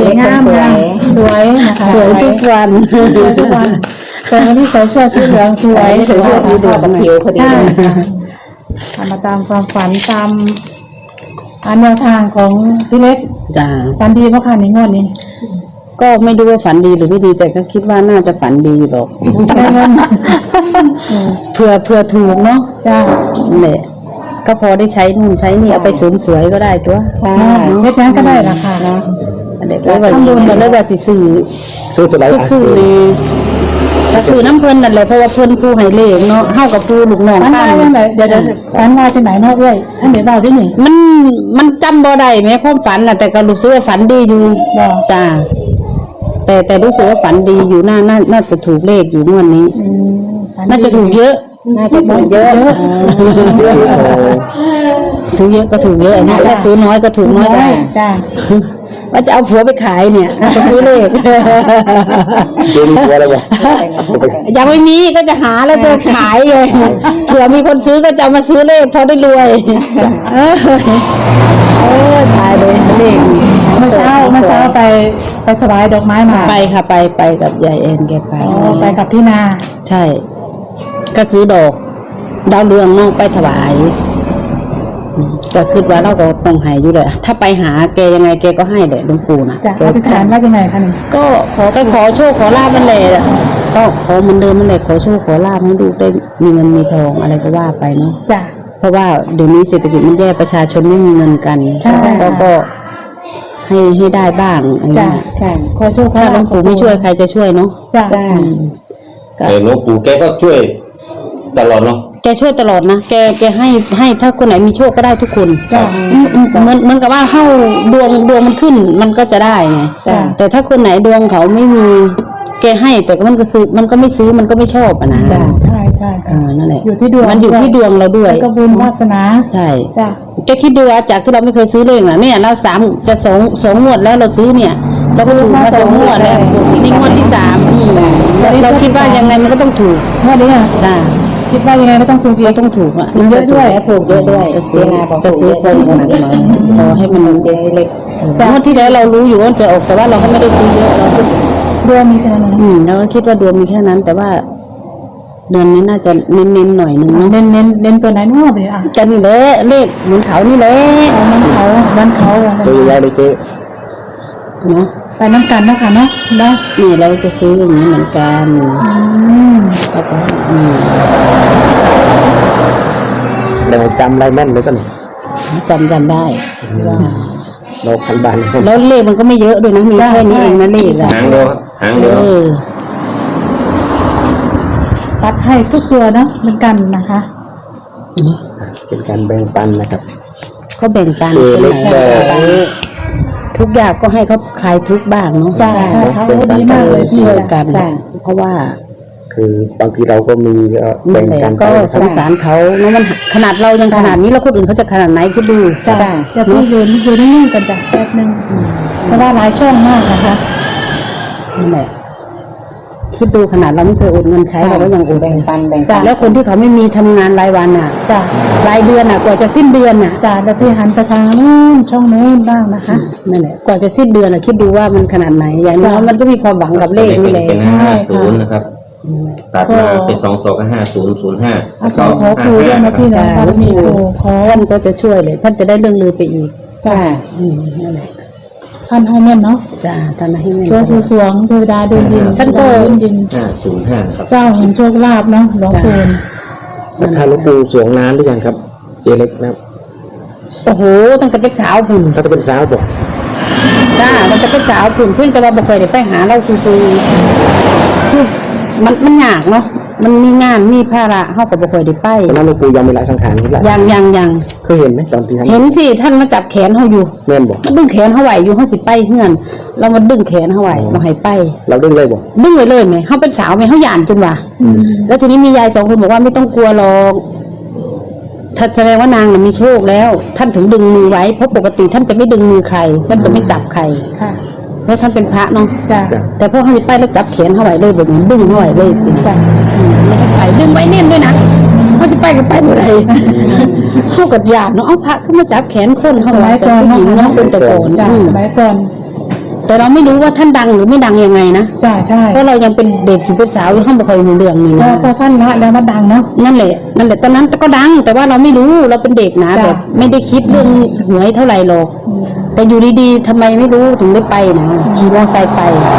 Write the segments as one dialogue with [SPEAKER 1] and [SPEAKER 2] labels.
[SPEAKER 1] เล็กคนสวยนะคะ
[SPEAKER 2] สวยทุกวัน
[SPEAKER 1] แต่วันนี้ใส่เสื้อสีเหลืองสวย
[SPEAKER 2] ใส่เสื้อสีเหลือง
[SPEAKER 1] ผิวพอดีมาตามความฝันตามแนวทางของพี่เล็ก
[SPEAKER 2] จ้า
[SPEAKER 1] ฝันดีเพราะค่ะในงวดนี้
[SPEAKER 2] ก็ไม่รู้ว่าฝันดีหรือไม่ดีแต่ก็คิดว่าน่าจะฝันดีหรอกเผื่อถูกเนาะ
[SPEAKER 1] จ้า
[SPEAKER 2] เนี่ยก็พอได้ใช้นู่นใช้นี่เอาไปเสริมสวยก็ได้ตัว
[SPEAKER 1] เล็กนั้นก็ได้ราคาเนาะ
[SPEAKER 2] เด็กเลยว่าจะเลยว่าสิซื้อ
[SPEAKER 3] ตัวไหน
[SPEAKER 2] คือก็ซื้อน้ำเพลินนั่นแหละเพราะว่าเพลินผู้ให้เลขเนาะเฮากับผู้ลูกน้อง
[SPEAKER 1] ท่านว่าเดี๋ยวท่านว่าที่ไหนนอกด้วยท่านเดี๋ยวเบาด้วยนี่
[SPEAKER 2] มันจำบ่ได้แม้ความฝันน่ะแต่ก็รู้สึกว่าฝันดีอยู่จ้าแต่รู้สึกว่าฝันดีอยู่น่าจะถูกเลขอยู่งวดนี้น่าจะถูกเยอะซื้อเยอะก็ถูกเยอะนะถ้าซื้อน้อยก็ถูกน้อยไปว่าจะเอาผัวไปขายเนี่ยจะซื้อเลขยังไม่มีก็จะหาแล้วจะขายเลยเผื่อมีคนซื้อก็จะมาซื้อเลขพอได้รวยตายเลยเลข
[SPEAKER 1] เมื่อเช้าไปถวายดอกไม้มา
[SPEAKER 2] ไปค่ะไปกับยายเอ็นแก
[SPEAKER 1] ไปกับพี่นา
[SPEAKER 2] ใช่ก็ซื้อดอกดาวเรืองน้องไปถวายก็คิดว่าเราก็ต้องให้อยู่เลยถ้าไปหาแกยังไงแกก็ให้แหละหลวงปู่นะ
[SPEAKER 1] แกอธิษฐานว่ายังไงคะนี่
[SPEAKER 2] ก็ขอโชคขอลาภมันเลยก็ขอเหมือนเดิมมันเลยขอโชคขอลาภให้ลูกได้มีเงินมีทองอะไรก็ว่าไปเนาะเพราะว่าเดี๋ยวนี้เศรษฐกิจมันแย่ประชาชนไม่มีเงินกันก็ให้ได้บ้าง
[SPEAKER 1] จ้ะขอโชค
[SPEAKER 2] ถ้าหลวงปู่ไม่ช่วยใครจะช่วยเนาะ
[SPEAKER 3] หลวงปู่แกก็ช่วยตลอดเนาะ
[SPEAKER 2] แกช่วยตลอดนะแกให้ถ้าคนไหนมีโชคก็ได้ทุกคนเหมือนกับว่าเข้าดวงมันขึ้นมันก็จะได้ไงแต่ถ้าคนไหนดวงเขาไม่มีแกให้แต่มันก็ซื้อมันก็ไม่ซื้อมันก็ไม่ชอบอ่ะนะ
[SPEAKER 1] ใช่
[SPEAKER 2] นั่นแหละ
[SPEAKER 1] อยู่ที่ดวง
[SPEAKER 2] มันอยู่ที่ดวงเราด้วย
[SPEAKER 1] ก็บุญวาสนา
[SPEAKER 2] ใช่แกคิดดูว่าจากที่เราไม่เคยซื้อเลขนะเนี่ยเราจะสองงวดแล้วเราซื้อเนี่ยเราก็ถูกมา2 งวดแล้วนี่งวดที่3เราคิดว่ายังไงมันก็ต้องถูก
[SPEAKER 1] งวดนี้
[SPEAKER 2] จ้า
[SPEAKER 1] คิดว่ายังไงก็ต้องถูก
[SPEAKER 2] เราต้องถูกอ่ะ
[SPEAKER 1] เยอะด้วย
[SPEAKER 2] ถูกเยอะด้วยจะซื้อคนหนักหน่อยพอให้มันเล็กงวดที่แล้วเรารู้อยู่ว่าจะออกแต่ว่าเราก็ไม่ได้ซื้อเยอะเรา
[SPEAKER 1] ดวงมีแค่นั้น
[SPEAKER 2] เราก็คิดว่าดวงมีแค่นั้นแต่ว่าเดือนนี้น่าจะเน้นหน่อยนึงเนาะ
[SPEAKER 1] เน้นตัวไหนนอกเลย
[SPEAKER 2] จะนี่แหละเลขเหมือนเขานี่แหละ
[SPEAKER 1] มันเขา
[SPEAKER 3] ตัวใหญ่เลยเจ๊
[SPEAKER 2] เนาะ
[SPEAKER 1] ไปน้ำกันนะคะเนาะ
[SPEAKER 2] นี่เราจะซื้ออย่างนี้เหมือนกันแล้วก็
[SPEAKER 3] เราจำอะไรแม่นเลยกัน
[SPEAKER 2] จำได้ว่า
[SPEAKER 3] เราพันบาท
[SPEAKER 2] แล้วเลขมันก็ไม่เยอะด้วยนะมีแค่นี้เองนะเลข
[SPEAKER 3] หางเดียว
[SPEAKER 1] ตัดให้ทุกตัวเนาะเหมือนกันนะคะ
[SPEAKER 3] เป็นการแบ่งปันนะครับ
[SPEAKER 2] เขาแบ่งปันทุกอย่างก็ให้เขาคลายทุกบ้างเนาะ
[SPEAKER 1] ใช่เขาดีมากเลย
[SPEAKER 2] ช่วยกันเพราะว่า
[SPEAKER 3] คือบางทีเราก็มี
[SPEAKER 2] แบ่งกันก็สงสารเขาเนาะมันขนาดเรายังขนาดนี้แล้วคนอื่นเขาจะขนาดไหนคิดดู
[SPEAKER 1] จะพูดอยู่นิ่งๆกันจ้ะแป๊บนึงเพราะว่าหลายช่องมากนะคะ
[SPEAKER 2] นั่นแหละคิดดูขนาดเราไม่เคยอดเงินใช้เราก็ยังอด
[SPEAKER 1] แบ่งปัน
[SPEAKER 2] แล้วคนที่เขาไม่มีทำงานรายวันอ่ะรายเดือนอ่ะกว่าจะสิ้นเดือนอ่ะ
[SPEAKER 1] แล้วที่หันไปทางนู้นช่องนู้นบ้างนะคะ
[SPEAKER 2] นั่นแหละกว่าจะสิ้นเดือนอ่ะคิดดูว่ามันขนาดไหนอย่างน้อยมันจะมีความหวังกับเลขนี่แหละ
[SPEAKER 3] เป็น50นะครับตัดมาเป็น2ตัวก็5005
[SPEAKER 1] ขอครูด้วยนะพี่นะมีครูขอ
[SPEAKER 2] ท่านก็จะช่วยเลยท่านจะได้เรื่องลือไปอีกนั่นแหละ
[SPEAKER 1] ท่านให้แม่นเนาะ
[SPEAKER 2] ท่านให้แม่น
[SPEAKER 1] เจ้าผู้สวงเทวดาเดินดิน
[SPEAKER 2] ฉันก็
[SPEAKER 3] 505ครับ
[SPEAKER 1] เจ้าแห่งโชคลาภเนาะหลวงปู่
[SPEAKER 3] ท่านหลวงปู่สวงนานหรือยังครับเล็กนะ
[SPEAKER 2] โอ้โหตั้งแต่เป็นสาวพุ่น
[SPEAKER 3] ตั้งแต่เป็นสาวบอก
[SPEAKER 2] ตั้งแต่เป็นสาวพุ่นเพิ่งแต่ว่าบ่เคยได้ไปหาเราซื้อคือมันยากเนาะมันมีงานมีภาระเฮาก็บ่ค่อยได้ไป
[SPEAKER 3] ตอนนั้นหลวงปู่ยังไม่ละสังขารครับ
[SPEAKER 2] ยัง
[SPEAKER 3] เคยเห็นไหมตอนที่
[SPEAKER 2] เห็นสิท่านมาจับแขนเฮาอยู่
[SPEAKER 3] แม่นบ่
[SPEAKER 2] มันดึงแขนเฮาไว้อยู่เฮาสิไปเฮือนเรามาดึงแขนเฮาไว้บ่ให้ไป
[SPEAKER 3] เราดึงเลยบ่
[SPEAKER 2] ดึงไว้เลยแม่เฮาเป็นสาวแม่เฮาย่านจนว่าแล้วทีนี้มียาย2คนบอกว่าไม่ต้องกลัวหรอกถ้าแสดงว่านางน่ะมีโชคแล้วท่านถึงดึงมือไว้เพราะปกติท่านจะไม่ดึงมือใครท่านจะไม่จับใครเพราะท่านเป็นพระเนาะแต่พอเขาจะไปแล้วจับแขนเขาไว้เลยแบบนี้ดึงเขาไว้เลยสิไม่ให้ไปดึงไว้แน่นด้วยนะเขาจะไปก็ไปเมื่อไรเขากัดหยาดเนาะเอาพระขึ้นมาจับแขนคนเขาไว้แต่ผู้หญิงเนาะเป็นแต่ก่อน
[SPEAKER 1] สมัยก่อน
[SPEAKER 2] แต่เราไม่รู้ว่าท่านดังหรือไม่ดังยังไงนะ
[SPEAKER 1] จ้าใช่
[SPEAKER 2] เพราะเรายังเป็นเด็กอยู่เป็นสาวอยู่ห้องบ่ค่อยรู้เรื่องนี่
[SPEAKER 1] พอ
[SPEAKER 2] นะ
[SPEAKER 1] พอท่านละแล้วมาดังเนาะ
[SPEAKER 2] นั่นแหละตอนนั้นก็ดัง แต่ว่าเราไม่รู้เราเป็นเด็กนะ
[SPEAKER 1] จ้ะ
[SPEAKER 2] แบบไม่ได้คิดเรื่องหวยเท่าไหร่หรอก แต่อยู่ดีๆทำไมไม่รู้ถึงได้ไปนะขี่มอเตอร์ไซค์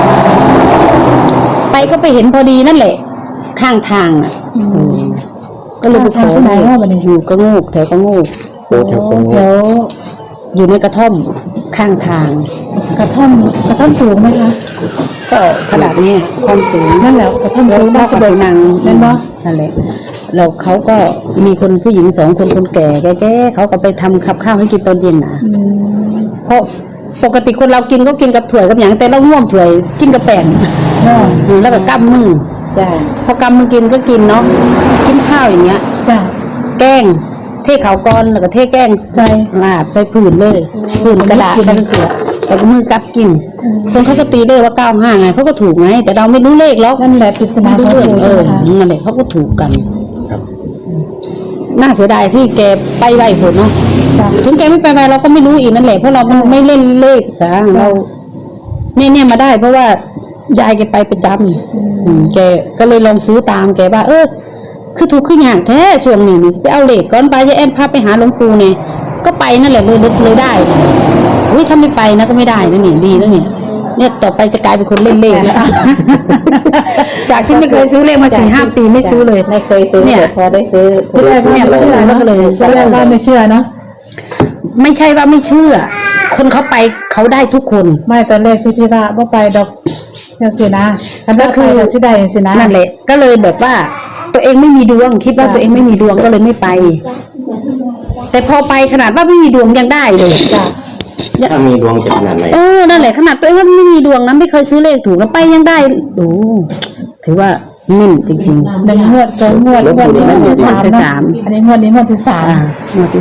[SPEAKER 2] ไปก็ไปเห็นพอดีนั่นแหละ ข้างทางอ่ะก็เลยไปขอ
[SPEAKER 1] ข้างทางที่ไหนวะบัดนี้
[SPEAKER 2] อยู่กระโงกแถวกระโงก
[SPEAKER 3] โอ้แถวตรง
[SPEAKER 1] เดี๋
[SPEAKER 3] นี้
[SPEAKER 1] ยว
[SPEAKER 2] อยู่ในกระท่อมข้างทาง
[SPEAKER 1] กระท่อมสูงไหมคะ
[SPEAKER 2] ก็ขนาดนี้ความสูง
[SPEAKER 1] นั่นแหละกระท่อมสูง
[SPEAKER 2] น่าจะโดนนาง
[SPEAKER 1] นั่นบ่
[SPEAKER 2] นั่นแหละแล้วเขาก็มีคนผู้หญิง2 คนคนแก่แก่ๆเขาก็ไปทำกับข้าวให้กินตอนเย็นนะ
[SPEAKER 1] อืม
[SPEAKER 2] เพราะปกติคนเรากินก็กินกับถ้วยกับอย่างแต่เราง่วมถ้วยกินกับแป้ง
[SPEAKER 1] ก็
[SPEAKER 2] แล้วก็กำมือ
[SPEAKER 1] จ้า
[SPEAKER 2] พอกำมือกินก็กินเนาะกินข้าวอย่างเงี้ย
[SPEAKER 1] จ้า
[SPEAKER 2] แกล้งเทเขาก้อนแล้วก็เทแกล้ง
[SPEAKER 1] ใจ
[SPEAKER 2] ลาบใส่ผืนเลยผืนกระดาษกันเสียแต่ก็มือกับกินคนเขาก็ตีเลขว่า95ไงเขาก็ถูกไงแต่เราไม่รู้เลขหรอก
[SPEAKER 1] นั่นแหละปริศนา
[SPEAKER 2] ไม่
[SPEAKER 1] ข
[SPEAKER 2] รู้
[SPEAKER 1] อง
[SPEAKER 2] เรื่อง
[SPEAKER 1] ปู่ใช่ไหมคะ
[SPEAKER 2] นั่นแหละเขาก็ถูกกัน
[SPEAKER 3] ครับ
[SPEAKER 2] น่าเสียดายที่แกไปไวผลเนาะ
[SPEAKER 1] จ้า
[SPEAKER 2] ถึงแกไม่ไปไวเราก็ไม่รู้อีกนั่นแหละเพราะเราไม่เล่นเลขนะเราเนี่ยมาได้เพราะว่ายายแกไปประจำแกก็เลยลองซื้อตามแกว่าคือถูกขึ้นอย่างแท้ช่วงนี้นี่ไปเอาเลขก่อนไปยายแอนพาไปหาหลวงปู่เนี่ยก็ไปนั่นแหละเลยได้อุ้ยถ้าไม่ไปนะก็ไม่ได้นะนี่ดีนะเนี่ยต่อไปจะกลายเป็นคนเล่นเลขแล้ว จากที่ไม่เคยซื้อเลขมา4-5 ปีไม่ซื้อเลย
[SPEAKER 4] ไม่เคยซื้อ
[SPEAKER 2] เนี่ย
[SPEAKER 4] แต่พอได้ซื้อ
[SPEAKER 1] ที่แรกว่าไม่เชื่อเนอะ
[SPEAKER 2] เลย
[SPEAKER 1] ที่แรกว่าไม่เชื่อเนาะ
[SPEAKER 2] ไม่ใช่ว่าไม่เชื่อ คนเขาไปเขาได้ทุกคน
[SPEAKER 1] ไม่ตอนแรกที่พี่ว่าไปดอกอย่างสินะก็คือสิได้อย่างสินะ
[SPEAKER 2] นั่นแหละก็เลยแบบว่า ตัวเองไม่มีดวงคิดว่าตัวเองไม่มีดวงก็เลยไม่ไป แต่พอไปขนาดว่าไม่มีดวงยังได้เลย
[SPEAKER 1] จ้ะ
[SPEAKER 3] ถ้ามีดวงจะขนาดไหน
[SPEAKER 2] นั่นแหละขนาดตัวเองว่าไม่มีดวงนะไม่เคยซื้อเลขถูกแล้วไปยังได้โอ้ถือว่ามิ่นจริงๆ
[SPEAKER 1] หนึ่งงวดสองงวดงวดที่
[SPEAKER 2] งวดที่
[SPEAKER 1] สาม
[SPEAKER 2] สาม
[SPEAKER 1] เนาะอันนี้งวดที่สาม
[SPEAKER 2] งวดที่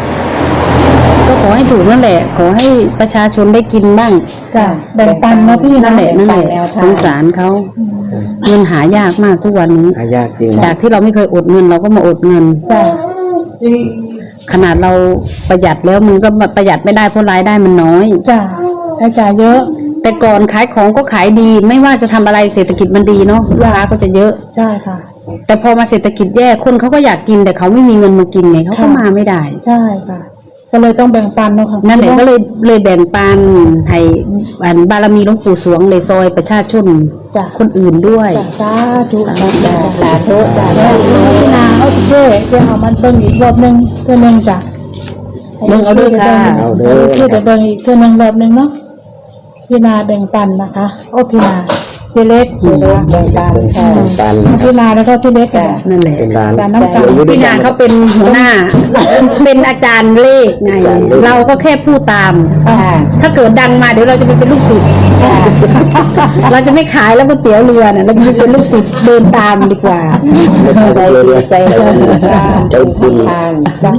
[SPEAKER 2] 3ก็ขอให้ถูกนั่นแหละ ขอให้ประชาชนได้กินบ้าง
[SPEAKER 1] จ้ะแบ่งปันเนาะพี่
[SPEAKER 2] นั่นแหละ
[SPEAKER 1] เนาะ
[SPEAKER 2] สงสารเขาเงินหายากมากทุกวันนี้
[SPEAKER 3] หายากจริง
[SPEAKER 2] จากที่เราไม่เคยอดเงินเราก็มาอดเงิน
[SPEAKER 1] จ้ะ
[SPEAKER 2] ขนาดเราประหยัดแล้วมันก็ประหยัดไม่ได้เพราะรายได้มันน้อย
[SPEAKER 1] จ้ะใช้จ่ายเยอะ
[SPEAKER 2] แต่ก่อนขายของก็ขายดี ไม่ว่าจะทำอะไรเศรษฐกิจมันดีเนาะลูกค้าก็จะเยอะ
[SPEAKER 1] ใช่ค่ะ
[SPEAKER 2] แต่พอมาเศรษฐกิจแย่คนเขาก็อยากกินแต่เขาไม่มีเงินมากินไงเขาก็มาไม่ได้
[SPEAKER 1] ใช่ค่ะ ก็เลยต้องแบ่งปันเนาะค่ะ
[SPEAKER 2] นั่นแหละก็เลยแบ่งปันให้บารมีหลวงปู่สวงเลยซอยประชาชน
[SPEAKER 1] จ้ะ
[SPEAKER 2] คนอื่นด้วย
[SPEAKER 1] จ้ะสาธุ
[SPEAKER 2] สา
[SPEAKER 1] จ้ะ
[SPEAKER 2] ธุ
[SPEAKER 1] สาธุจ้ะแล้วพี่นาเอาเจ๊เอามันเบิ่งอีกรอบนึงเพื่อนึงจ้ะ
[SPEAKER 2] เบิ่งเอาด้วยค่ะ
[SPEAKER 1] ชื่อจะเบิ่งอีกเพื่อนึงรอบนึงเนาะพี่นาแบ่งปันนะคะพี่นาเจเล็กนะคะ
[SPEAKER 4] แบ่งปันค่ะ
[SPEAKER 3] ปัน
[SPEAKER 1] พี่นาแล้วก็พี่เล็กค่ะ
[SPEAKER 2] นั่นแหละ
[SPEAKER 3] เป็นร้าน
[SPEAKER 1] การน้ำตาล
[SPEAKER 2] พี่นาเขาเป็นหัวหน้า เป็นอาจารย์เลขไง เราก็แค่พูดตาม
[SPEAKER 4] ค่ะ
[SPEAKER 2] ถ้าเกิดดังมาเดี๋ยวเราจะไปเป็นลูกศิษย์ เราจะไม่ขายแล้วก๋วยเตี๋ยวเรือเนี่ยเราจะไปเป็นลูกศิษย์เดินตามดีกว่า
[SPEAKER 4] ใจดีใจบุญ
[SPEAKER 3] ใจบุญ
[SPEAKER 4] ทาง
[SPEAKER 1] จ้ะ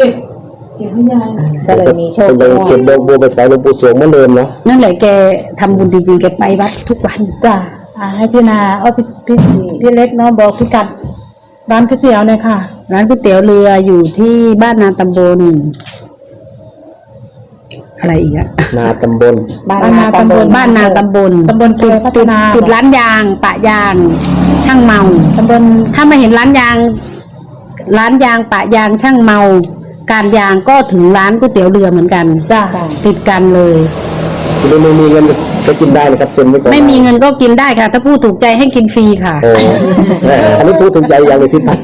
[SPEAKER 4] ก็เลยมีโชค
[SPEAKER 3] เป็นเก็บดอกบัวไปใส่หลวงปู่สวงเหมือนเดิมเนาะ
[SPEAKER 2] นั่นแหละแกทำบุญจริงๆแกไปวัดทุกวัน
[SPEAKER 1] จ้ะให้พี่นาเอาพี่เล็กเนาะบอกพี่กัดร้านก๋วยเตี๋ยวเลยค่ะ
[SPEAKER 2] ร้านก๋วยเตี๋ยวเรืออยู่ที่บ้านนาตำบลอะไรอีกอะ
[SPEAKER 3] นาตำบล
[SPEAKER 4] บ้านนาตำบล
[SPEAKER 2] บ้านนาตำบล
[SPEAKER 1] ตำบล
[SPEAKER 2] ติด
[SPEAKER 1] พัฒ
[SPEAKER 2] ติด
[SPEAKER 1] นา
[SPEAKER 2] ติดร้านยางปะยาง ช่างเมา
[SPEAKER 1] ตำบล
[SPEAKER 2] ถ้ามาเห็นร้านยางปะยางช่างเมา การยางก็ถึงร้านก๋วยเตี๋ยวเรือเหมือนกัน
[SPEAKER 1] จ้ะ
[SPEAKER 2] ติดกันเลย
[SPEAKER 3] คุณไม่มีเงินก็กินได้นะครับเซ็นไว้ก่อน
[SPEAKER 2] ไม่มีเงินก็กินได้ค่ะ ถ้าพูดถูกใจให้กินฟรีค่ะ
[SPEAKER 3] โอ้อันนี้พูดถึงใจอย่างเลยที่ปัน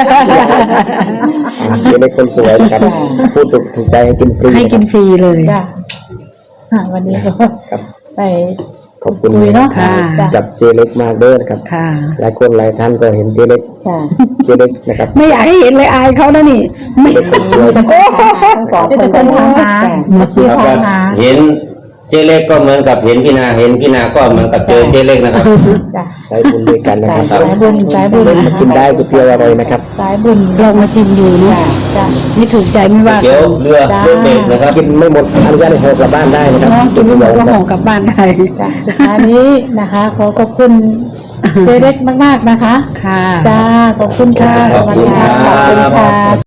[SPEAKER 3] เป็นคนสวยนะครับพูดถูกใจให้กินฟรี
[SPEAKER 2] ให้กินฟรีเลย
[SPEAKER 1] จ้ะวันนี้ก็
[SPEAKER 3] ครับ
[SPEAKER 1] ไป
[SPEAKER 3] ขอบคุณ
[SPEAKER 1] คุยเนาะ
[SPEAKER 2] ค่ะ
[SPEAKER 1] จ้ะ
[SPEAKER 3] กับเจเล็กมากเด้อนะครับ
[SPEAKER 2] ค่ะ
[SPEAKER 3] หลายคนหลายท่านก็เห็นเจเล็ก
[SPEAKER 4] ค่ะ
[SPEAKER 3] เจเล็กนะครับ
[SPEAKER 2] ไม่อยากให้เห็นเลยอายเขานะนี่ไม่
[SPEAKER 3] เป็นคนสวย
[SPEAKER 4] ทั้งสอง
[SPEAKER 1] ที่
[SPEAKER 4] คน
[SPEAKER 1] เป็นคนทางหาที่
[SPEAKER 3] ครับ
[SPEAKER 1] ทางหา
[SPEAKER 3] เห็นเจเล็กก็เหมือนกับเห็นพี่นาเห็นพี่นาก็เหมือนกับเจอเจเล็กนะครับ
[SPEAKER 1] จ้ะ
[SPEAKER 3] สายบุญด้วยกันนะครับ
[SPEAKER 1] สายบุญสายบุญ
[SPEAKER 3] มากินได้ก๋วยเตี๋ยวอร่อยนะครับ
[SPEAKER 1] สายบุญ
[SPEAKER 2] ลองมาชิมดูเนาะ
[SPEAKER 1] จ้ะ
[SPEAKER 2] ไม่ถูกใจไม่ว่า
[SPEAKER 3] เดี๋ยวเรือเรือเบรกนะครับ กินไม่หมดอนุญาตให้ห่อกลับบ้านได้นะครับ
[SPEAKER 2] น้องกินไม่หมดก็ห่อกลับบ้านได้
[SPEAKER 1] จ้ะสุดท้ายนี้นะคะ ขอขอบคุณเจเล็กมากๆนะคะ
[SPEAKER 2] ค่ะ
[SPEAKER 1] จ้าขอบคุณค่ะสวัสดีค่ะขอบคุณค่ะ